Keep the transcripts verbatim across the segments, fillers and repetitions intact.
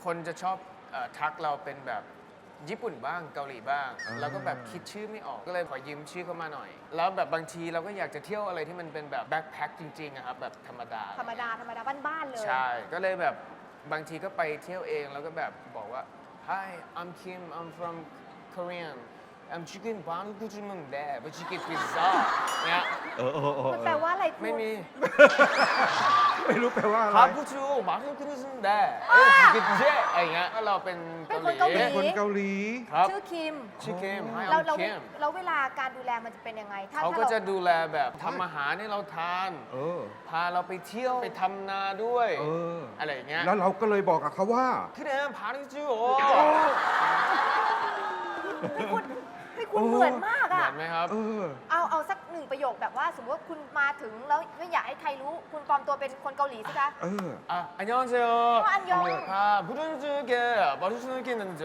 คนจะชอบเอ่อทักเราเป็นแบบญี่ปุ่นบ้างเกาหลีบ้างเราก็แบบคิดชื่อไม่ออกก็เลยขอยืมชื่อเขามาหน่อย แล้วแบบบางทีเราก็อยากจะเที่ยวอะไรที่มันเป็นแบบแบ็คแพ็คจริงๆอะครับแบบธรรมดาธรรมดาธรรมดาบ้านๆเลยใช่ก็เลยแบบบางทีก็ไปเที่ยวเองแล้วก็แบบบอกว่า Hi I'm Kim I'm from Korean I'm chicken bun 구주면 돼 but chicken pizza เนี่ยเออเออเออมันแปลว่าอะไรคุณไม่มีไม่รู้แปลว่าอะไรคาปูชูมาคุกุซุนเดะเอ้ยชิคเก้อะไรเงี้ยก็เราเป็นเกาหลีเป็นคนเกาหลีครับชื่อคิมชื่อเคมให้เราเอาเราเคมเราเวลาการดูแลมันจะเป็นยังไง ถ้าเขาถ้าก็เราจะดูแลแบบทำอาหารให้เราทานเออพาเราไปเที่ยวไปทำนาด้วยเอออะไรอย่างเงี้ยแล้วเราก็เลยบอกกับเขาว่าคือเดิมพาดิจูโอให้คุณให้คุณเหมือนมากเหมือ่ะอนไหมครับเออเอาเอาสักหนึ่งประโยคแบบว่าสมมติว่าคุณมาถึงแล้วไม่อยากให้ใครรู้ คุณปลอมตัวเป็นคนเกาหลีสิคะเอออ่ะอันยองเซโออันยองอ่าบุรุษจูเกะบริสุทธิ์กินนันโจ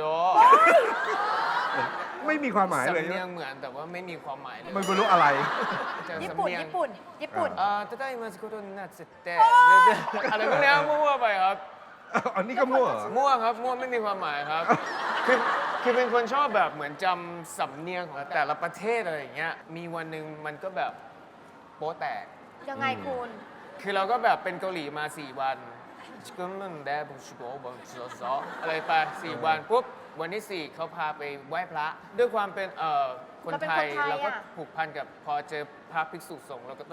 ไม่มีความหมายเลยสำเนียงเหมือนแต่ว่าไม่มีความหมายเลยไม่รู้อะไรจะญี่สำปุ่นเนียงญี่ปุ่น ญี่ปุ่นอ่าตะไดมาสกุโดนัตสเตะอะไรพวกเนี้ยมั่วๆไปครับอันนี้ก็มั่วเหรอมั่วครับมั่วไม่มีความหมายครับ คือคือเป็นคนชอบแบบเหมือนจำสำเนียงของแต่ละประเทศอะไรอย่างเงี้ยมีวันหนึ่งมันก็แบบโป๊ะแตกยังไงคุณคือเราก็แบบเป็นเกาหลีมา สี่ วันก็มันได้บุชิโกบชซออะไรไปสี่วันปุ๊บวันที่สี่เขาพาไปไหว้พระ ด้วยความเป็นเอ่อคนเราเป็นไทคนยไทยเราก็อะผูกพันกับพอเจอพระภิกษุสงฆ์เราก็ต้อง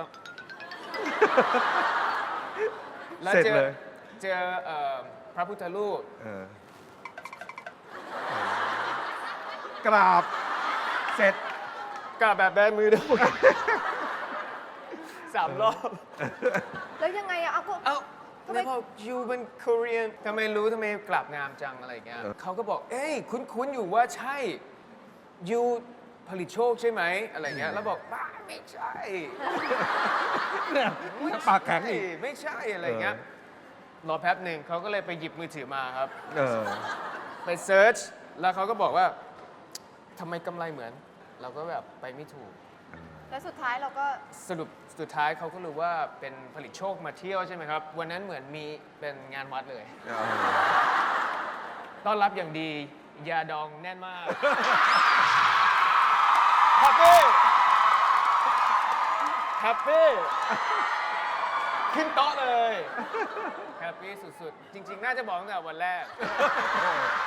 แล้วเสร็จเจอเลยเจอเอ่อพระพุทธรูปเออ กราบ เสร็จกลับแบบแบมือด้วย สามรอบแล้วยังไงอะเอาพวกเอ้าทำไมแล้วพอยูเป็น Korean ทำไมรู้ทำไมกลับงามจังอะไรอย่างเงี้ยเออเขาก็บอก เอ้ย คุ้นๆ อยู่ว่าใช่ยูผลิตโชคใช่ไหมอะไรเงี้ย แล้วบอกบ้าไม่ใช่เนี่ยปากแข็งอีกไม่ใช่อะไรเงี้ย รอแป๊บหนึ่งเขาก็เลยไปหยิบมือถือมาครับเออไปเซิร์ช แล้วเขาก็บอกว่าทำไมกำไรเหมือน เราก็แบบไปไม่ถูกแล้วสุดท้ายเราก็สรุปสุดท้ายเขาก็รู้ว่าเป็นผลิตโชคมาเที่ยวใช่ไหมครับ วันนั้นเหมือนมีเป็นงานวัดเลย ต้อนรับอย่างดี ยาดองแน่นมาก แฮปปี้ แฮปปี้ ขึ้นโต๊ะเลย แฮปปี้สุดๆ จริงๆ น่าจะบอกตั้งแต่วันแรก